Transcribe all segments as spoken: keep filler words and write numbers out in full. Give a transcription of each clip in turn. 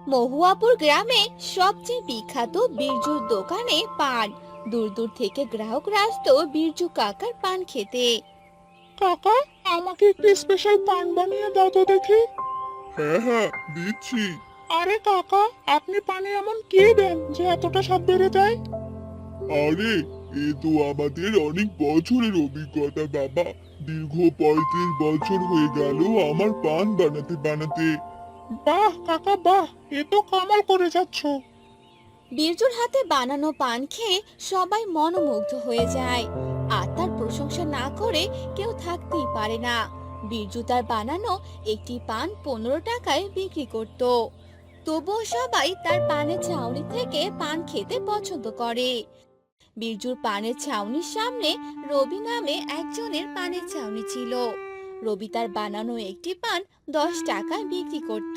মহুয়াপুর গ্রামে সবচেয়ে বিখ্যাত বীরজুর দোকানে পান। দূর দূর থেকে গ্রাহকরা আসতো বীরজু কাকার পান খেতে। কাকা, আমাকে একটু স্পেশাল পান বানিয়ে দাও তো দেখি। হ্যাঁ হ্যাঁ, দিচ্ছি। আরে কাকা, আপনি পানে এমন কি দেন যে এতটা স্বাদ বেড়ে যায়? আরে, এ তো আমাদের অনেক বছরের অভিজ্ঞতা বাবা। দীর্ঘ পঁয়ত্রিশ বছর হয়ে গেল আমার পান বানাতে বানাতে। বাহ কাকা বাহ, এ তো কামাল করে যাচ্ছ। বীরজুর হাতে বানানো পান খেয়ে সবাই মনোমুগ্ধ হয়ে যায়। আর তার প্রশংসা না করে কেউ থাকতেই পারে না। বীরজু তার বানানো একটি পান পনেরো টাকায় বিক্রি করত। তবুও সবাই তার পানের ছাউনি থেকে পান খেতে পছন্দ করে। বীরজুর পানের ছাউনির সামনে রবি নামে একজনের পানের ছাউনি ছিল। রবি তার বানানো একটি পান দশ টাকায় বিক্রি করত।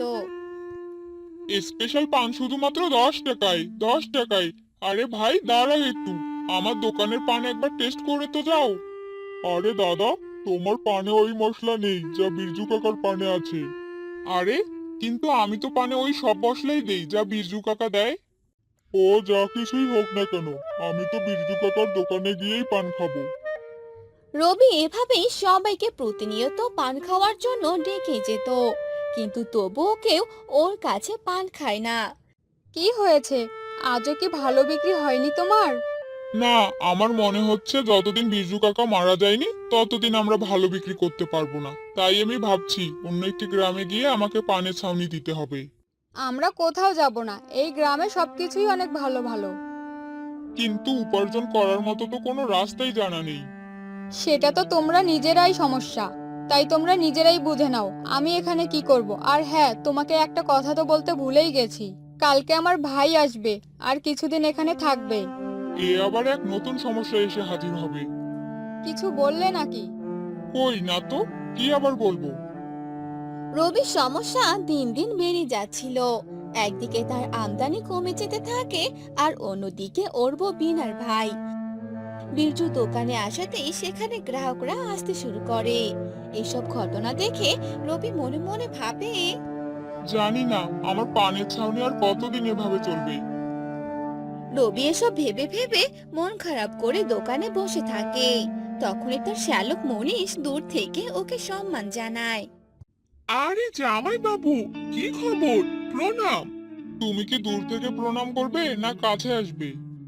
স্পেশাল পান শুধুমাত্র দশ টাকায়, দশ টাকায়। আরে ভাই দাঁড়াও একটু, আমার দোকানের পান একবার টেস্ট করে তো যাও। আরে দাদা, তোমার পানে ওই মশলা নেই যা বিরজু কাকার পানে আছে। আরে, কিন্তু আমি তো পানে ওই সব মশলাই দেই যা বিরজু কাকা দেয়। ও যা কিছুই হোক না কেন, আমি তো বিরজু কাকার দোকানে গিয়েই পান খাবো। রবি এভাবেই সবাইকে প্রতিনিয়ত পান খাওয়ার জন্য ডেকে যেত, কিন্তু তবুও কেউ ওর কাছে পান খায় না। কি হয়েছে? আজও কি ভালো বিক্রি হয়নি তোমার? না, আমার মনে হচ্ছে যতদিন বিরজু কাকা মারা যায়নি ততদিন আমরা ভালো বিক্রি করতে পারবো না। তাই আমি ভাবছি অন্য একটি গ্রামে গিয়ে আমাকে পানের ছাউনি দিতে হবে। আমরা কোথাও যাব না, এই গ্রামে সবকিছুই অনেক ভালো ভালো। কিন্তু উপার্জন করার মতো তো কোনো রাস্তাই জানা নেই। সেটা তো তোমরা নিজেরাই সমস্যা, তাই তোমরা নিজেরাই বুঝে নাও আমি এখানে কি করব। আর হ্যাঁ, তোমাকে একটা কথা তো বলতে ভুলেই গেছি, কালকে আমার ভাই আসবে আর কিছুদিন এখানে থাকবে। এ আবার এক নতুন সমস্যা এসে হাজির হবে। কিছু বললে নাকি? কই না তো, কি আবার বলবো? রবির সমস্যা দিন দিন বেড়ে যাচ্ছিল। একদিকে তার আমদানি কমে যেতে থাকে, আর অন্যদিকে ওর বউ বিনার ভাই বিরজু দোকানে আসাতেই সেখানে গ্রাহকরা আসতে শুরু করে। এসব ঘটনা দেখে রবি মনে মনে ভাবে, জানি না আমার পানের ছাউনি আর কতদিন এভাবে চলবে। রবি এসব ভেবে ভেবে মন খারাপ করে দোকানে বসে থাকে। তখনই তার শ্যালক মনীষ দূর থেকে ওকে সম্মান জানায়। আরে জামাই বাবু, কি খবর? প্রণাম। তুমি কি দূর থেকে প্রণাম করবে না কাছে আসবে?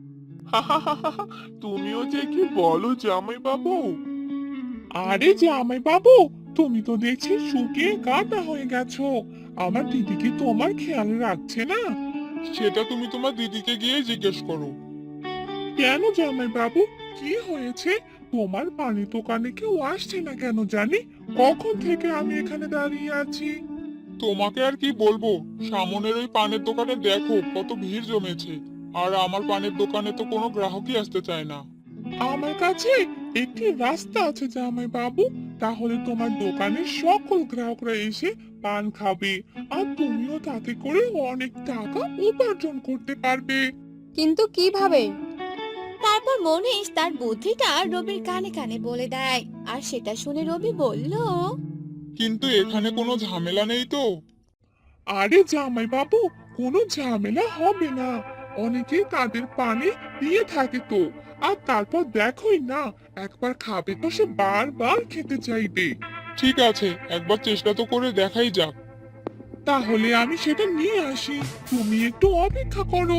তুমিও যে কি বলো জামাই বাবু। আরে জামাই বাবু, তুমি তো দেখছি শুকিয়ে কাটা হয়ে গেছো। আমার দিদি কি তোমার খেয়াল রাখছে না? সেটা তুমি তোমার দিদিকে গিয়ে জিজ্ঞেস করো। কেন জামাই বাবু, কি হয়েছে? তোমার পানির দোকানে কেউ আসছে না কেন জানি? কখন থেকে আমি এখানে দাঁড়িয়ে আছি। তোমাকে আর কি বলবো, সামনের ওই পানের দোকানে দেখো কত ভিড় জমেছে। আর আমার পানের দোকানে তো কোনো গ্রাহকই আসতে চায় না। আমার কাছে একটি রাস্তা আছে জামাই বাবু, তাহলে তোমার দোকানের সকল গ্রাহকরা এসে পান খাবে, আর তুমিও তাতে করে অনেক টাকা উপার্জন করতে পারবে। কিন্তু কিভাবে? তারপর মনীষ তার বুদ্ধিটা রবির কানে কানে বলে দেয়, আর সেটা শুনে রবি বলল, কিন্তু এখানে কোনো ঝামেলা নেই তো? আরে জামাই বাবু, কোনো ঝামেলা হবে না। অনেকেই তাদের পানি দিয়ে থাকে তো। আর তারপর দেখোই না, একবার খাবে তো সে বারবার খেতে চাইবে। ঠিক আছে, একবার চেষ্টা তো করে দেখাই যাক। তাহলে আমি সেটা নিয়ে আসি, তুমি একটু অপেক্ষা করো।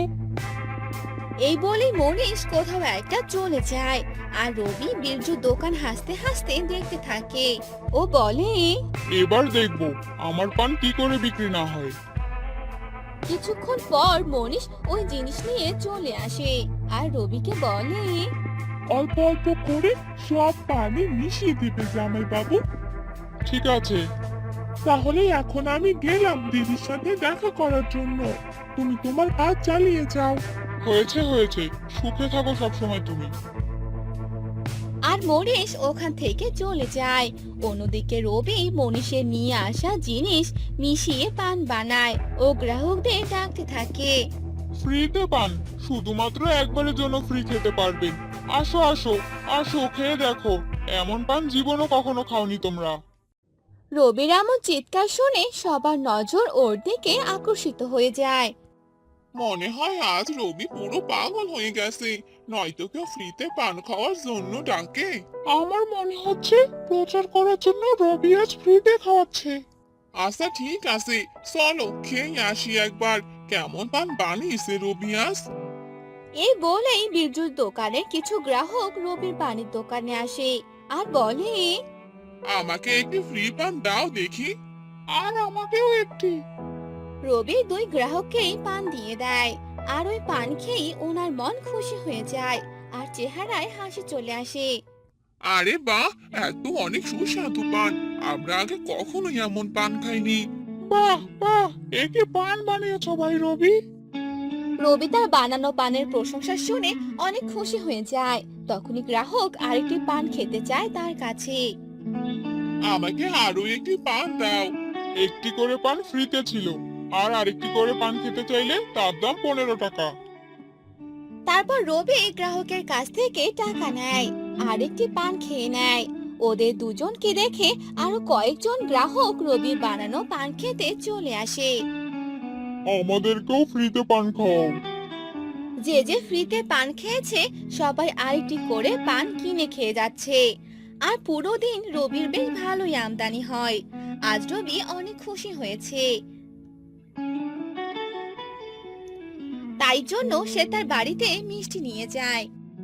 এই বলেই মনীষ কোথাও একটা চলে যায়। আর রবি বিরজুর দোকান হাসতে হাসতে দেখতে থাকে। ও বলে, এবার দেখবো আমার পান কি করে বিক্রি না হয়। কিছুক্ষণ পর মনীষ ওই জিনিস নিয়ে চলে আসে আর রবিকে বলে, অল্প অল্প করে সব পানি মিশিয়ে দেবে জামাই বাবু। ঠিক আছে, তাহলে এখন আমি গেলাম দিদির সাথে দেখা করার জন্য। তুমি তোমার কাজ চালিয়ে যাও। হয়েছে হয়েছে, সুখে থাকো সবসময় তুমি। আর মনীষ ওখান থেকে চলে যায়। অন্যদিকে রবি মনীষের নিয়ে আসা জিনিস মিশিয়ে পান বানায় ও গ্রাহকদের ডাকতে থাকে। ফ্রিতে পান, শুধুমাত্র একবারের জন্য ফ্রি খেতে পারবেন। আসো আসো, আসো খেয়ে দেখো, এমন পান জীবনও কখনো খাওনি তোমরা। রবির এমন চিৎকার শুনে সবার নজর ওর দিকে আকর্ষিত হয়ে যায়। মনে হয় আজ রবি পুরো পাগল হয়ে গেছে, নয়তো কেউ ফ্রিতে পান খাওয়ার জন্য ডাকে। আমার মনে হচ্ছে প্রচার করার জন্য রবি আজ ফ্রিতে খাওয়াচ্ছে। আচ্ছা ঠিক আছে, চলো খেয়ে আসি একবার, কেমন পান বানিয়েছে রবি আজ। এই বলেই বিরজুর দোকানের কিছু গ্রাহক রবির পানির দোকানে আসে আর বলে, আমাকে একটি ফ্রি পান দাও দেখি। আর আমাকেও একটি। রবি দুই গ্রাহককেই পান দিয়ে দেয়। আর ওই পান খেয়েই ওনার মন খুশি হয়ে যায় আর চেহারায় হাসি চলে আসে। আরে বাহ, এত অনেক সুস্বাদু পান, আমরা আগে কখনো এমন পান খাইনি। বাহ বাহ, একে পান বানিয়েছো ভাই রবি। রবি তার বানানো পানের প্রশংসা শুনে অনেক খুশি হয়ে যায়। তখনই গ্রাহক আরেকটি পান খেতে চায় তার কাছে। আমাকে আরো একটি পান দাও। একটি করে পান ফ্রিতে ছিল, আর আরেকটি করে পান খেতে চাইলে তার দাম পনেরো টাকা। তারপর রবি গ্রাহকের কাছ থেকে টাকা নেয় আর একটি পান খেয়ে নেয়। ওদের দুজনকে দেখে আরো কয়েকজন গ্রাহক রবির বানানো পান খেতে চলে আসে। আমাদেরকেও ফ্রিতে পান খাও। যে যে ফ্রিতে পান খেয়েছে সবাই আরেকটি করে পান কিনে খেয়ে যাচ্ছে। আর পুরো দিন রবির বেশ ভালোই আমদানি হয়। আজ রবি অনেক খুশি হয়েছে, তাই জন্য সে তার বাড়িতে মিষ্টি নিয়ে যায়।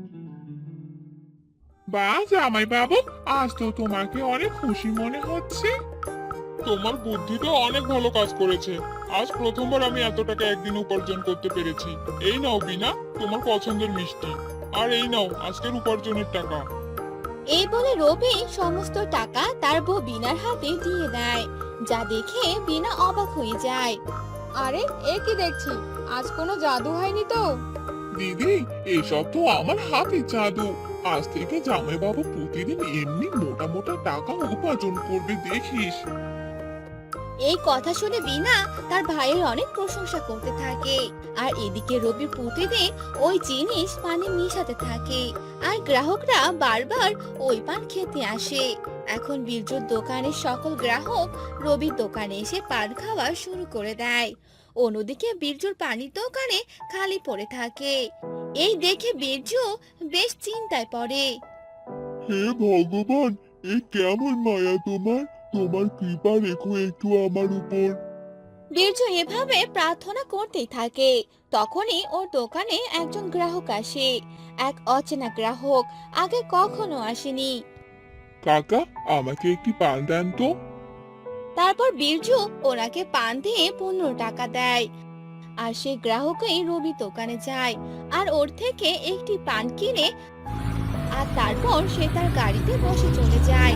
বাহ জামাই বাবু, আজ তো তোমাকে অনেক খুশি মনে হচ্ছে। তোমার বুদ্ধি তো অনেক ভালো কাজ করেছে। আজ প্রথমবার আমি এত টাকা একদিন উপার্জন করতে পেরেছি। এই নাও বিনা, তোমার পছন্দের মিষ্টি। আর এই নাও আজকের উপার্জনের টাকা। এই বলে রবি সমস্ত টাকা তার বউ বিনার হাতে দিয়ে দেয়, যা দেখে বিনা অবাক হয়ে যায়। আরে এ কি দেখছি, আজ কোনো জাদু হয়নি তো? দিদি, এসব তো আমার হাতে জাদু। আজ থেকে জামাই বাবু প্রতিদিন এমনি মোটা মোটা টাকা উপার্জন করবে দেখিস। এই কথা শুনে বিনা তার ভাইয়ের অনেক প্রশংসা করতে থাকে। আর এদিকে রবি প্রতিদিন ওই জিনিস পানে মিশাতে থাকে আর গ্রাহকরা বারবার ওই পান খেতে আসে। এখন বীরজুর দোকানের সকল গ্রাহক রবির দোকানে এসে পান খাওয়া শুরু করে দেয়। অন্যদিকে বীরজুর পানির দোকানে খালি পড়ে থাকে। এই দেখে বীরজু বেশ চিন্তায় পড়ে। হে ভগবান, এ কেমন মায়া তোমার, তোমার কৃপা রেখো একটু আমার উপর। বীরজু এভাবে প্রার্থনা করতেই থাকে। তখনই ওর দোকানে একজন গ্রাহক আসে, এক অচেনা গ্রাহক, আগে কখনো আসেনি। কাকা, আমাকে একটি পান দেন তো। তারপর বীরজু ওনাকে পান দিয়ে পনেরো টাকা দেয়। আর সেই গ্রাহকই রবি দোকানে যায় আর ওর থেকে একটি পান কিনে আর তারপর সে তার গাড়িতে বসে চলে যায়।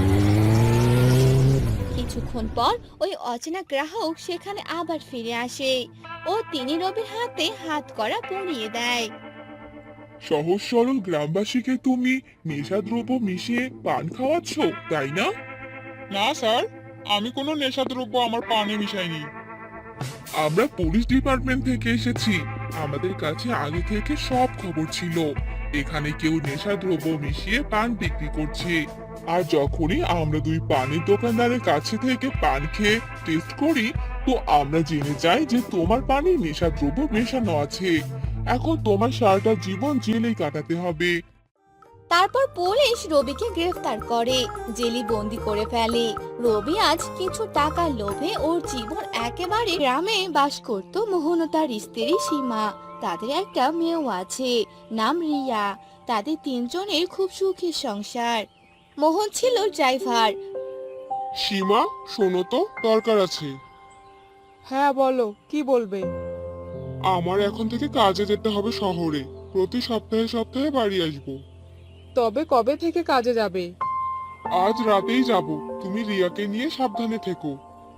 কিছুক্ষণ পর ওই অচেনা গ্রাহক সেখানে আবার ফিরে আসে ও তিনি রবির হাতে হাত করা পরিয়ে দেয়। সহজ সরল গ্রামবাসীকে তুমি নেশাদ্রব্য মিশিয়ে পান খাওয়াচ্ছ, তাই না? না স্যার, আমি কোনো নেশাদ্রব্য আমার পানে মিশাইনি। আমরা পুলিশ ডিপার্টমেন্ট থেকে এসেছি। আমাদের কাছে আগে থেকে সব খবর ছিল এখানে কেউ নেশাদ্রব্য মিশিয়ে পান বিক্রি করছে। আর যখনই আমরা দুই পানের দোকানদারের কাছে থেকে পান খেয়ে টেস্ট করি, তো আমরা জেনে যাই যে তোমার পানে নেশাদ্রব্য মেশানো আছে। এখন তোমার সারাটা জীবন জেলেই কাটাতে হবে। তারপর পুলিশ রবিকে গ্রেফতার করে, জেলে বন্দি করে ফেলে। রবি আজ কিছু টাকার লোভে ওর জীবন একেবারে গ্রামে বাস করত মোহন ও তার স্ত্রী সীমা। তাদের একটা মেয়েও আছে, নাম রিয়া। তাদের তিনজনের খুব সুখের সংসার। মোহন ছিল ড্রাইভার। সীমা, শোনো তো, দরকার আছে। হ্যাঁ বলো, কি বলবে? আমার এখন থেকে কাজে যেতে হবে শহরে। প্রতি সপ্তাহে সপ্তাহে বাড়ি আসবো। তবে কবে থেকে কাজে যাবে? আজ রাতেই যাব। তুমি রিয়াকে নিয়ে সাবধানে থেকো।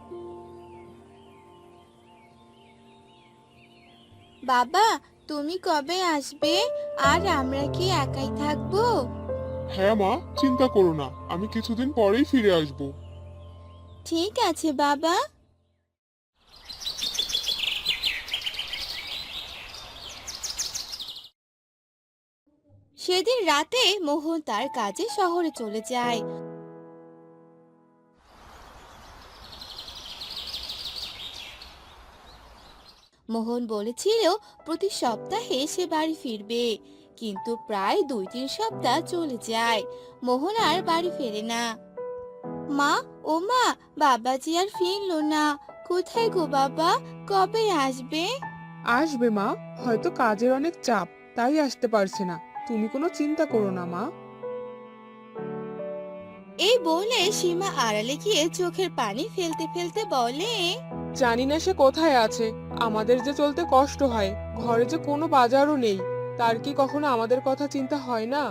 বাবা, তুমি কবে আসবে? আর আমরা কি একাই থাকবো? হ্যাঁ মা, চিন্তা করো না, আমি কিছুদিন পরেই ফিরে আসবো। ঠিক আছে বাবা। সেদিন রাতে মোহন তার কাজে শহরে চলে যায়। মোহন বলেছিল প্রতি সপ্তাহে সে বাড়ি ফিরবে, কিন্তু প্রায় দুই তিন সপ্তাহ চলে যায়, মোহন আর বাড়ি ফেরে না। মা, ও মা, বাবাজি আর ফিরলো না। কোথায় গো বাবা, কবে আসবে? আসবে মা, হয়তো কাজের অনেক চাপ, তাই আসতে পারছে না। তুমি কোনো চিন্তা করো না মা। এই বলে সীমা আড়ালে গিয়ে চোখের পানি ফেলতে ফেলতে বলে, জানি না সে কোথায় আছে। আমাদের যে চলতে কষ্ট হয়, ঘরে যে কোনো বাজারও নেই, তার কি কখনো আমাদের কথা চিন্তা হয় না?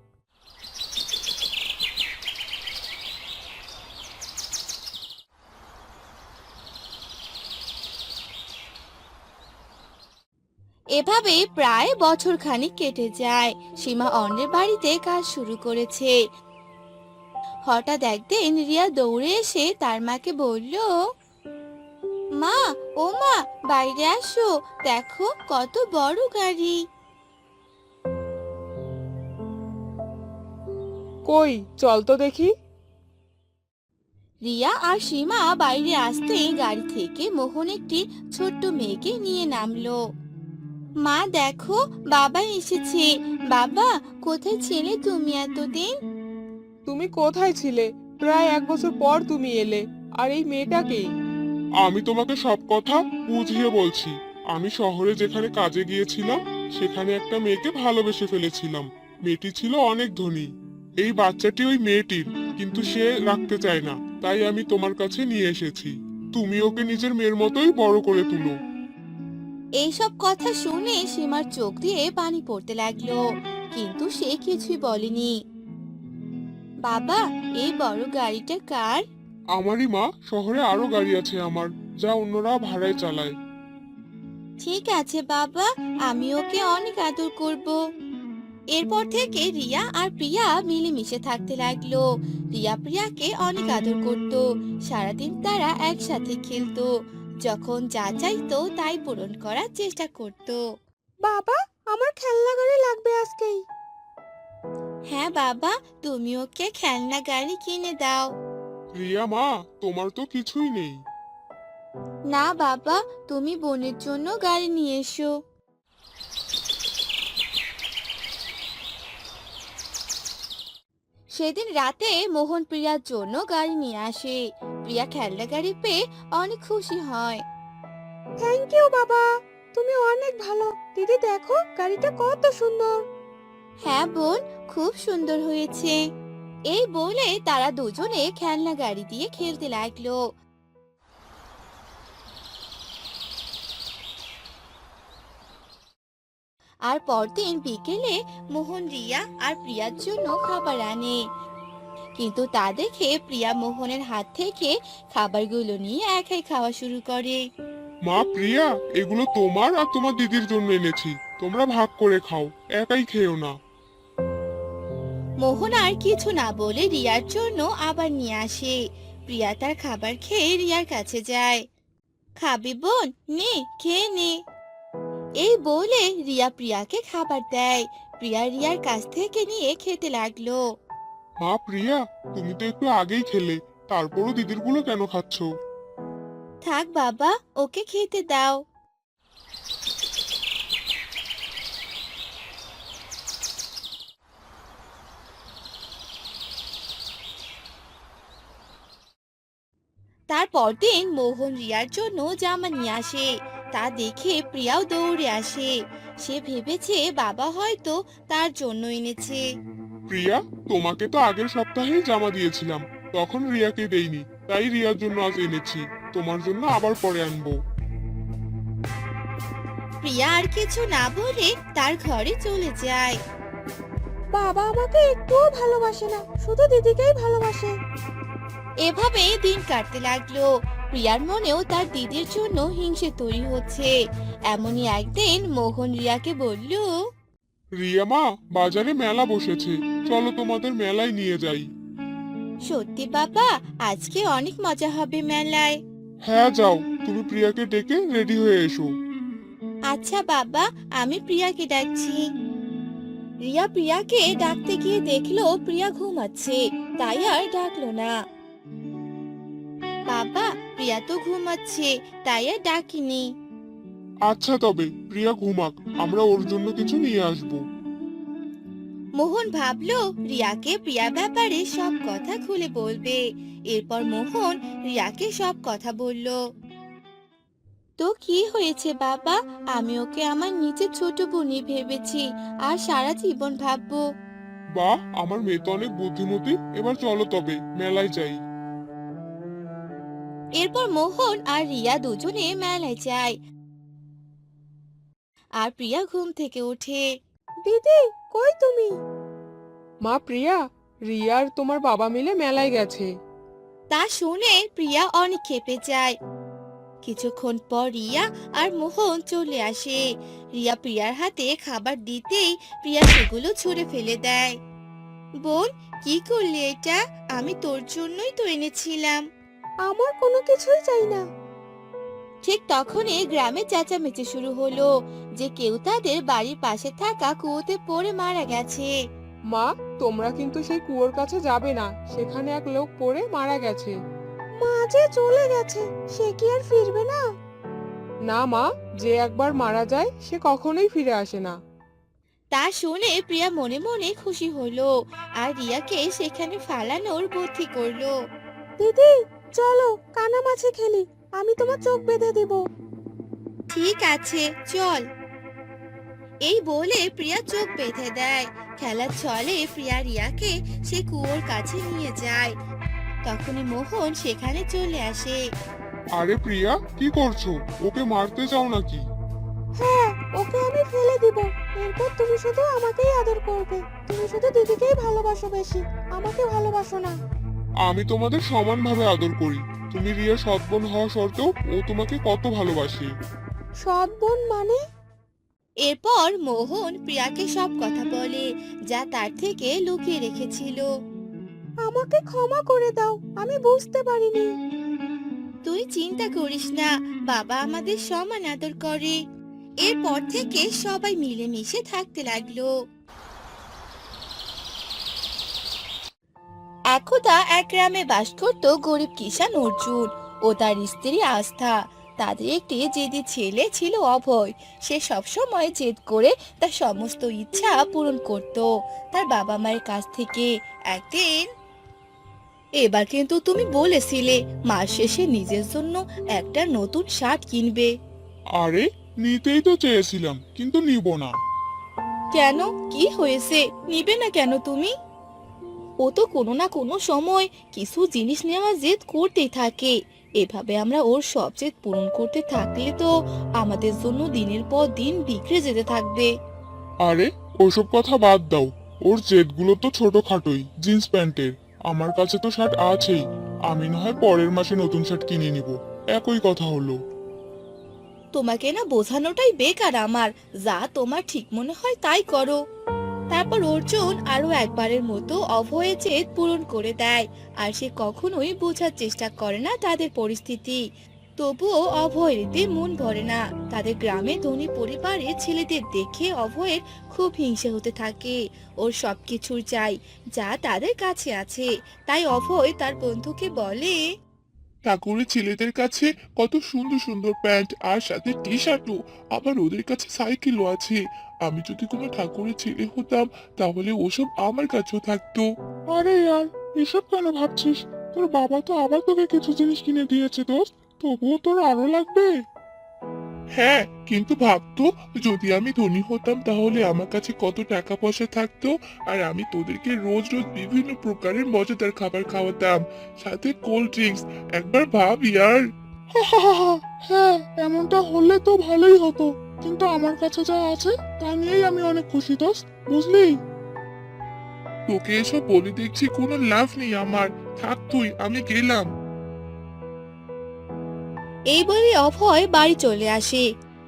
এভাবে প্রায় বছর খানিক কেটে যায়। সীমা অন্যের বাড়িতে কাজ শুরু করেছে। হঠাৎ একদিন রিয়া দৌড়ে এসে তার মাকে বলল, মা, ও মা, বাইরে আসো, দেখো কত বড় গাড়ি। কই, চল তো দেখি। রিয়া আর সীমা বাইরে আসতেই গাড়ি থেকে মোহন একটি ছোট্ট মেয়েকে নিয়ে নামলো। মা দেখো, বাবা এসেছে। বাবা, কোথায় ছিলে তুমি এতদিন? তুমি কোথায় ছিলে? প্রায় এক বছর পর তুমি এলে। আর এই মেয়েটাকে? আমি তোমাকে সব কথা বুঝিয়ে বলছি। আমি শহরে যেখানে কাজে গিয়েছিলাম, সেখানে একটা মেয়েকে ভালোবেসে ফেলেছিলাম। মেয়েটি ছিল অনেক ধনী। এই বাচ্চাটি ওই মেয়েটির, কিন্তু সে রাখতে চায় না, তাই আমি তোমার কাছে নিয়ে এসেছি। তুমি ওকে নিজের মেয়ের মতোই বড় করে তুলো। এইসব কথা শুনে সীমার চোখ দিয়ে পানি পড়তে লাগলো, কিন্তু সে কিছুই বলেনি। বাবা, এই বড় গাড়িটা কার? আমারই মা, শহরে আরো গাড়ি আছে আমার, যা অন্যরা ভাড়ায় চালায়। ঠিক আছে বাবা, আমি ওকে অনেক আদর করব। এরপর থেকে রিয়া আর প্রিয়া মিলেমিশে থাকতে লাগলো। রিয়া প্রিয়াকে অনেক আদর করত। সারাদিন তারা একসাথে খেলতো, যখন যা চাইতো তাই পূরণ করার চেষ্টা করত। বাবা, আমার খেলনা গাড়ি লাগবে আজকেই। হ্যাঁ বাবা, তুমি ওকে খেলনা গাড়ি কিনে দাও। রিয়া মা, তোমার তো কিছুই নেই। না বাবা, তুমি বোনের জন্য গাড়ি নিয়ে এসো। সেদিন রাতে মোহন প্রিয়ার জন্য গাড়ি নিয়ে আসে। প্রিয়া খেলনা গাড়ি পেয়ে অনেক খুশি হয়। থ্যাংক ইউ বাবা, তুমি অনেক ভালো। দিদি দেখো, গাড়িটা কত সুন্দর। হ্যাঁ বোন, খুব সুন্দর হয়েছে। এই বলে তারা দুজনে খেলনা গাড়ি দিয়ে খেলতে লাগলো। আর পরদিন বিকেলে মোহন রিয়া আর প্রিয়ার জন্য খাবার আনে, কিন্তু তা দেখে প্রিয়া মোহনের হাত থেকে খাবারগুলো নিয়ে একাই খাওয়া শুরু করে। মা প্রিয়া, এগুলো তোমার আর তোমার দিদির জন্য এনেছি, তোমরা ভাগ করে খাও, একাই খেও না। মোহন আর কিছু না বলে রিয়ার জন্য আবার নিয়ে আসে। প্রিয়া তার খাবার খেয়ে রিয়ার কাছে যায়। খাবি বোন, নে খেয়ে নে। এই বলে রিয়া প্রিয়াকে খাবার দেয়। প্রিয়া রিয়ার কাছ থেকে নিয়ে খেতে লাগলো। মা প্রিয়া, তুমি তো একটু আগেই খেলে, তারপরও দিদির গুলো কেন খাচ্ছ? থাক বাবা, ওকে খেতে দাও। তারপর দিন মোহন রিয়ার জন্য জামা নিয়ে আসে। তা দেখে প্রিয়াও দৌড়ে আসে। সে ভেবেছে বাবা হয়তো তার জন্য এনেছে। প্রিয়া, তোমাকে তো আগের সপ্তাহেই জামা দিয়েছিলাম, তখন রিয়াকে দেইনি, তাই রিয়ার জন্য আজ এনেছি। তোমার জন্য আবার পরে আনবো। প্রিয়া আর কিছু না বলে তার ঘরে চলে যায়। বাবা আমাকে একটুও ভালোবাসে না, শুধু দিদিকেই ভালোবাসে। এভাবে দিন কাটতে লাগলো। প্রিয়ার মনেও তার দিদির জন্য হিংসে তৈরি হচ্ছে। এমনই একদিন মোহন রিয়াকে বলল, রিয়া মা, বাজারে মেলা বসেছে, চলো তোমাদের মেলায় নিয়ে যাই। সত্যি বাবা, আজকে অনেক মজা হবে মেলায়। হ্যাঁ যাও, তুমি প্রিয়াকে ডেকে রেডি হয়ে এসো। আচ্ছা বাবা, আমি প্রিয়াকে ডাকছি। রিয়া প্রিয়াকে ডাকতে গিয়ে দেখলো প্রিয়া ঘুমাচ্ছে, তাই আর ডাকলো না। বাবা, প্রিয়া তো ঘুমাচ্ছে, তাই আর ডাকিনি। আচ্ছা তবে প্রিয়া ঘুমাক, আমরা ওর জন্য কিছু নিয়ে আসবো। মোহন ভাবলো রিয়াকে প্রিয়া ব্যাপারে সব কথা খুলে বলবে। এরপর মোহন রিয়াকে সব কথা বলল। তো কি হয়েছে বাবা, আমি ওকে আমার নিজের ছোট বোনই ভেবেছি আর সারা জীবন ভাববো। বাহ, আমার মেয়ে তো অনেক বুদ্ধিমতী। এবার চলো তবে মেলায় যাই। এরপর মোহন আর রিয়া দুজনে মেলায় যায়। আর প্রিয়া ঘুম থেকে ওঠে। দিদি, কই তুমি? মা প্রিয়া, রিয়া আর তোমার বাবা মিলে মেলায় গেছে। তা শুনে প্রিয়া অনেক ক্ষেপে যায়। কিছুক্ষণ পর রিয়া আর মোহন চলে আসে। রিয়া প্রিয়ার হাতে খাবার দিতেই প্রিয়া সেগুলো ছুঁড়ে ফেলে দেয়। বোন, কি করলি এটা? আমি তোর জন্যই তো এনেছিলাম। আমার কোনো কিছুই চাই না। ঠিক তখনই গ্রামে চেঁচামেচি শুরু হলো যে কেউ তাদের বাড়ির পাশে থাকা কুয়োতে পড়ে মারা গেছে। মা, তোমরা কিন্তু সেই কুয়োর কাছে যাবে না, সেখানে এক লোক পড়ে মারা গেছে। মা যে চলে গেছে, সে কি আর ফিরবে না? না মা, যে একবার মারা যায় সে কখনোই ফিরে আসে না। তা শুনে প্রিয়া মনে মনে খুশি হলো আর রিয়াকে সেখানে ফালানোর বুদ্ধি করলো। দিদি, চলো কানামাছি খেলি, আমি তোমার চোখ বেঁধে দিব। ঠিক আছে, চল। এই বলে প্রিয়া চোখ বেঁধে দেয়। খেলার ছলে প্রিয়া রিয়াকে সে কুয়োর কাছে নিয়ে যায়। তখনই মোহন সেখানে চলে আসে। আরে প্রিয়া, কি করছো? ওকে মারতে চাও নাকি? হ্যাঁ, ওকে আমি ফেলে দিব। এরপর তুমি শুধু আমাকেই আদর করবে। তুমি শুধু দিদিকেই ভালোবাসো বেশি, আমাকে ভালোবাসো না। আমি তোমাদের সমানভাবে আদর করি। তুমি রিয়া সৎ বোন হওয়া সত্ত্বেও ও তোমাকে কত ভালোবাসে। সৎ বোন মানে? এরপর মোহন প্রিয়াকে সব কথা বলে যা তার থেকে লুকিয়ে রেখেছিল। আমাকে ক্ষমা করে দাও, আমি বুঝতে পারিনি। তুই চিন্তা করিস না, বাবা আমাদের সমান আদর করে। এরপর থেকে সবাই মিলেমিশে থাকতে লাগলো। একদা এক গ্রামে বাস করত গরিব কিষান অর্জুন ও তার স্ত্রী আস্থা। তাদের একটি জেদি ছেলে ছিল অভয়। সে সবসময় জেদ করে তার সমস্ত ইচ্ছা পূরণ করত তার বাবা মায়ের কাছ থেকে। একদিন, এবার কিন্তু তুমি বলেছিলে মাস শেষে নিজের জন্য একটা নতুন শার্ট কিনবে। আরে, নিতেই তো চেয়েছিলাম, কিন্তু নিব না। কেন, কি হয়েছে? নিবে না কেন তুমি? ও তো কোনো না কোনো সময় কিছু জিনিস নেওয়ার জেদ করতেই থাকে। এভাবে আমরা ওর সব জেদ পূরণ করতে থাকলে তো আমাদের জন্য দিনের পর দিন বিগড়ে যেতে থাকবে। আরে, ওসব কথা বাদ দাও। ওর জেদগুলো তো ছোটখাটোই, জিন্স প্যান্টের। আমার কাছে তো শার্ট আছেই। আমি না হয় পরের মাসে নতুন শার্ট কিনে নিব। একই কথা হলো। তোমাকে না বোঝানোটাই বেকার আমার। যা তোমার ঠিক মনে হয় তাই করো। তারপর অর্জুন আরো একবারের মতো অভয়ের জেদ পূরণ করে দেয়। আর সে কখনোই বোঝার চেষ্টা করে না তাদের পরিস্থিতি। তবুও অভয়ের এতে মন ভরে না। তাদের গ্রামে ধনী পরিবারের ছেলেদের দেখে অভয়ের খুব হিংসে হতে থাকে। ওর সবকিছুর চাই যা তাদের কাছে আছে। তাই অভয় তার বন্ধুকে বলে, ঠাকুরের ছেলেদের কাছে কত সুন্দর সুন্দর প্যান্ট আর সাথে টি শার্টও, আবার ওদের কাছে সাইকেলও আছে। আমি যদি কোনো ঠাকুরের ছেলে হতাম তাহলে ওসব আমার কাছেও থাকতো। আরে ইয়ার, এসব কেন ভাবছিস? তোর বাবা তো আবার তোকে কিছু জিনিস কিনে দিয়েছে দোস্ত, তবুও তোর আরো লাগবে। হ্যাঁ, কিন্তু ভাবতো যদি আমি ধনী হতাম তাহলে আমার কাছে কত টাকা পয়সা থাকতো, আর আমি তোদেরকে রোজ রোজ বিভিন্ন প্রকারের মজাদার খাবার খাওয়াতাম, সাথে কোল্ড ড্রিঙ্কস। একবার ভাব ইয়ার। হ্যাঁ, এমনটা হলে তো ভালোই হতো, কিন্তু আমার কাছে যা আছে তা নিয়েই আমি অনেক খুশি দোস্ত, বুঝলি? তোকে এসব বলে দেখছি কোনো লাভ নেই আমার। থাক তুই, আমি গেলাম। এই বলে অভয় বাড়ি চলে আসে।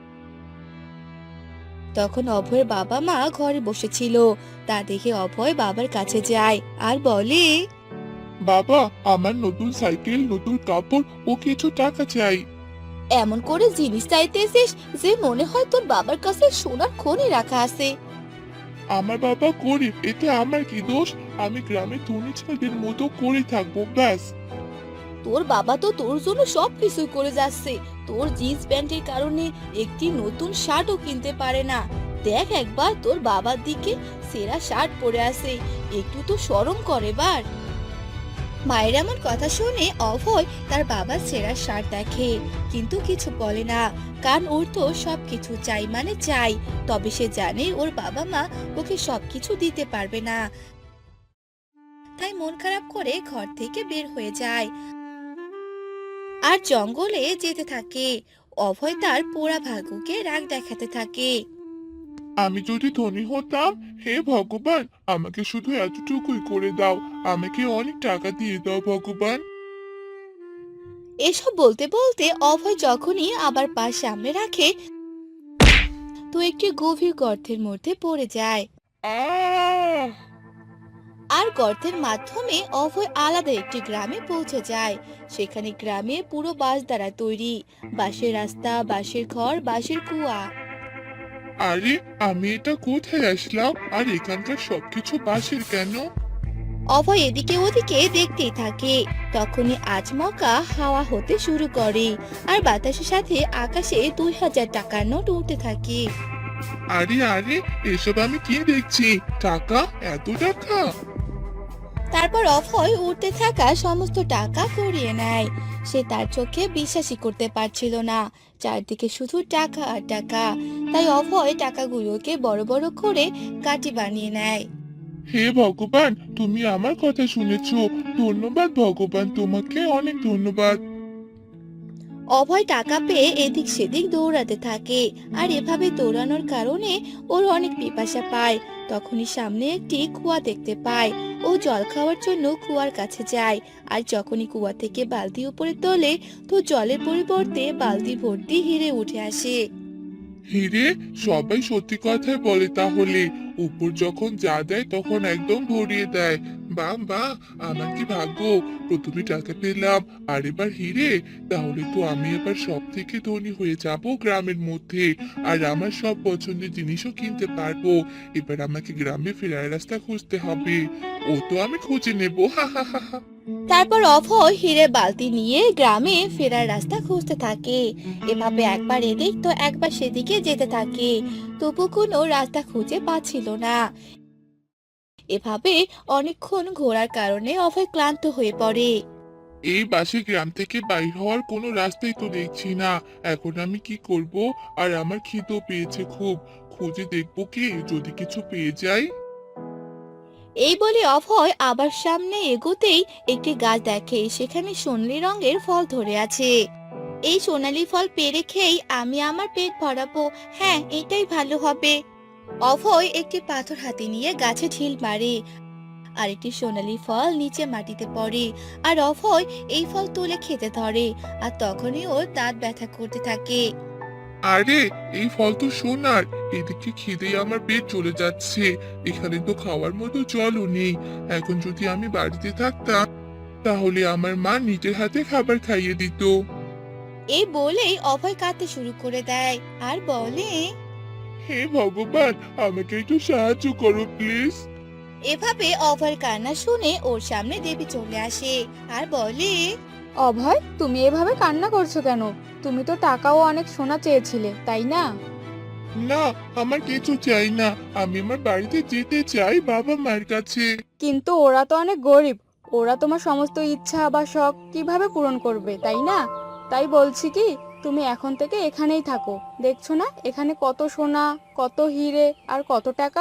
তখন অভয়ের বাবা মা ঘরে বসেছিল। তা দেখে অভয় বাবার কাছে যায় আর বলে, বাবা, আমার নতুন সাইকেল, নতুন কাপড় ও কিছু টাকা চাই। এমন করে জিনিস চাইতেছিস যে মনে হয় তোর বাবার কাছে সোনার খনি রাখা আছে। আমার বাবা গরিব, এতে আমার কি দোষ? আমি গ্রামের ধনী ছেলেদের মতো করে থাকবো, ব্যাস। তোর বাবা তো তোর জন্য সব কিছুই করে যাচ্ছে, তোর জিন্স প্যান্টের কারণে একটি নতুন শার্টও কিনতে পারে না। দেখ একবার তোর বাবার দিকে, সেরা শার্ট পরে আছে, একটু তো শরম করে বার। মায়ের এমন কথা শুনে অভয় তার বাবার ছেঁড়া শার্ট দেখে, কিন্তু কিছু বলে না, কারণ ওর তো সবকিছু চাই মানে চাই। তবে সে জানে ওর বাবা মা ওকে সবকিছু দিতে পারবে না, তাই মন খারাপ করে ঘর থেকে বের হয়ে যায় আর জঙ্গলে যেতে থাকে। অভয় তার পোড়া ভাগ্যকে রাগ দেখাতে থাকে। আমি যদি ধনী হতাম, হে ভগবান, আমাকে শুধু এতটুকুই করে দাও, আমাকে অনেক টাকা দিয়ে দাও ভগবান। এসব বলতে বলতে অভয় যখনই আবার পা সামনে রাখে, তো একটি গভীর গর্তের মধ্যে পড়ে যায়। আহ আর গর্তের মাধ্যমে অভয় আলাদা একটি গ্রামে পৌঁছে যায়। সেখানে গ্রামে পুরো বাঁশ দ্বারা তৈরি, বাঁশের রাস্তা, বাঁশের ঘর, বাঁশের কুয়া। আরে, আমি এটা কোথায় আসলাম? আর এখানকার সবকিছু বাঁশের কেন? অভয় এদিকে ওদিকে দেখতেই থাকে। তখনই আচমকা হাওয়া হতে শুরু করে, আর বাতাসের সাথে আকাশে দুই হাজার টাকার নোট উঠতে থাকে। আরে আরে, এসব আমি কি দেখছি? টাকা, এত টাকা! তারপর অভয় উঠতে থাকা সমস্ত টাকা কুড়িয়ে নেয়। সে তার চোখে বিশ্বাসই করতে পারছিল না, চারদিকে শুধু টাকা আর টাকা। তাই অভয় টাকাগুলোকে বড় বড় করে কাঠি বানিয়ে নেয়। হে ভগবান, তুমি আমার কথা শুনেছো। ধন্যবাদ ভগবান, তোমাকে অনেক ধন্যবাদ। অভয় টাকা পেয়ে এদিক সেদিক দৌড়াতে থাকে, আর এভাবে দৌড়ানোর কারণে ওর অনেক পিপাসা পায়। তখনই সামনে একটি কুয়া দেখতে পায়। ও জল খাওয়ার জন্য কুয়ার কাছে যায়, আর যখনই কুয়া থেকে বালতি উপরে তোলে, তো জলের পরিবর্তে বালতি ভর্তি হিরে উঠে আসে। হিরে? সবাই সত্যি কথাই বলে তাহলে। উপর যখন যা দেয় তখন একদম ভরিয়ে দেয়। বাহ বাহ, আমার কি ভাগ্য! প্রথমে টাকা পেলাম, আর এবার হিরে। তাহলে তো আমি এবার সব থেকে ধনী হয়ে যাব গ্রামের মধ্যে, আর আমার সব পছন্দের জিনিসও কিনতে পারবো। এবার আমাকে গ্রামে ফেরার রাস্তা খুঁজতে হবে। ও তো আমি খুঁজে নেবো, হা হা হা হা। তারপর অভয় হিরে বালতি নিয়ে গ্রামে ফেরার রাস্তা খুঁজতে থাকে। এভাবে একবার এদিক তো একবার সেদিকে যেতে থাকে, তবু কোনো রাস্তা খুঁজে পাচ্ছিল না। এভাবে অনেকক্ষণ ঘোরার কারণে অভয় ক্লান্ত হয়ে পড়ে। এই বাসে গ্রাম থেকে বাইর হওয়ার কোনো রাস্তাই তো দেখছি না। এখন আমি কি করব? আর আমার খিদেও পেয়েছে খুব। খুঁজে দেখবো কি, যদি কিছু পেয়ে যাই। এই বলে অভয় আবার সামনে এগোতেই একটি গাছ দেখে, সেখানে সোনালী রঙের ফল ধরে আছে। এই সোনালী ফল পেড়ে খেয়েই আমি আমার পেট ভরাবো, হ্যাঁ এটাই ভালো হবে। অভয় একটি পাথর হাতে নিয়ে গাছে ঢিল মারে, আর একটি সোনালী ফল নিচে মাটিতে পড়ে। আর অভয় এই ফল তুলে খেতে ধরে, আর তখনই ওর দাঁত ব্যথা করতে থাকে। আরে, এই ফল তো সোনার। এদিকে খিদেই আমার পেট চলে যাচ্ছে। এখানে তো খাওয়ার মতো জলও নেই। এখন যদি আমি বাড়িতে থাকতাম, তাহলে আমার মা নিজের হাতে খাবার খাইয়ে দিত। এই বলেই অভয় কাঁদতে শুরু করে দেয়, আর বলে, হে ভগবান, আমাকে একটু সাহায্য করো প্লিজ। এভাবে অভয়ের কান্না শুনে ওর সামনে দেবী চলে আসে, আর বলে, অভয়, তুমি এভাবে কান্না করছো কেন? তুমি তো টাকাও অনেক সোনা চেয়েছিলে, তাই না? না, আমার কিছু চাই না। আমি আমার বাড়িতে যেতে চাই, বাবা মায়ের কাছে। কিন্তু ওরা তো অনেক গরিব, ওরা তোমার সমস্ত ইচ্ছা বা শখ কিভাবে পূরণ করবে, তাই না? তাই বলছি কি, তুমি এখন থেকে এখানেই থাকো। দেখছো না এখানে কত সোনা, কত হিরে আর কত টাকা।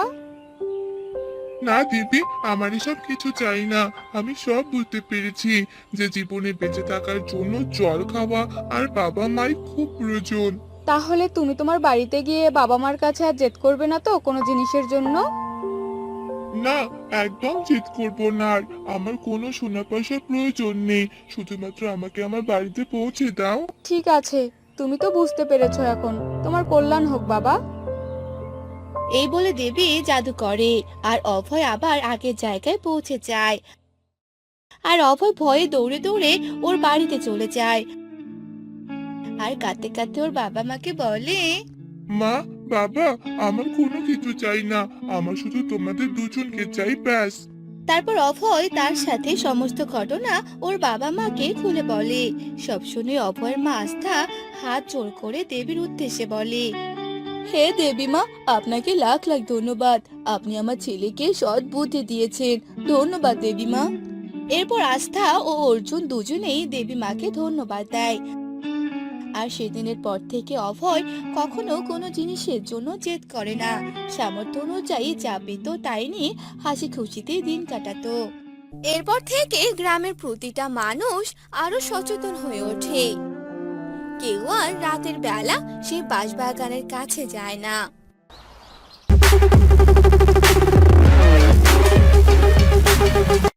না দিদি, আমার এসব কিছু চাই না। আমি সব বুঝতে পেরেছি যে জীবনে বেঁচে থাকার জন্য জল খাওয়া আর বাবা মায়ের খুব প্রয়োজন। তাহলে তুমি তোমার বাড়িতে গিয়ে বাবা মার কাছে আর জেদ করবে না তো কোনো জিনিসের জন্য? না, একদম জিদ করব না আর। আমার কোনো সোনা পয়সার প্রয়োজন নেই। শুধুমাত্র আমাকে আমার বাড়িতে পৌঁছে দাও। ঠিক আছে, তুমি তো বুঝতে পেরেছো এখন। তোমার কল্যাণ হোক বাবা। এই বলে দেবী জাদু করে, আর অভয় আবার আগের জায়গায় পৌঁছে যায়। আর অভয় ভয়ে দৌড়ে দৌড়ে ওর বাড়িতে চলে যায়, আর কাঁদতে কাঁদতে ওর বাবা মাকে বলে, মা, বাবা, আমার কোনো কিছু চাই না। আমার শুধু তোমাদের দুজনকে চাই, ব্যাস। তারপর অভয় তার সাথে সমস্ত ঘটনা ওর বাবা মাকে খুলে বলে। সব শুনে অভয়ের মা আস্থা হাত জোড় করে দেবীর উদ্দেশ্যে বলে, হে দেবী মা, আপনাকে লাখ লাখ ধন্যবাদ। আপনি আমার ছেলেকে সৎ বুদ্ধি দিয়েছেন। ধন্যবাদ দেবী মা। এরপর আস্থা ও অর্জুন দুজনেই দেবী মাকে ধন্যবাদ দেয়। আর সেদিনের পর থেকে অভয় কখনো কোনো জিনিসের জন্য জেদ করে না। সামর্থ্য অনুযায়ী যা পেত তাই নিয়ে হাসি খুশিতে দিন কাটাতো। এরপর থেকে গ্রামের প্রতিটা মানুষ আরো সচেতন হয়ে ওঠে। কেউ আর রাতের বেলা সেই বাঁশবাগানের কাছে যায় না।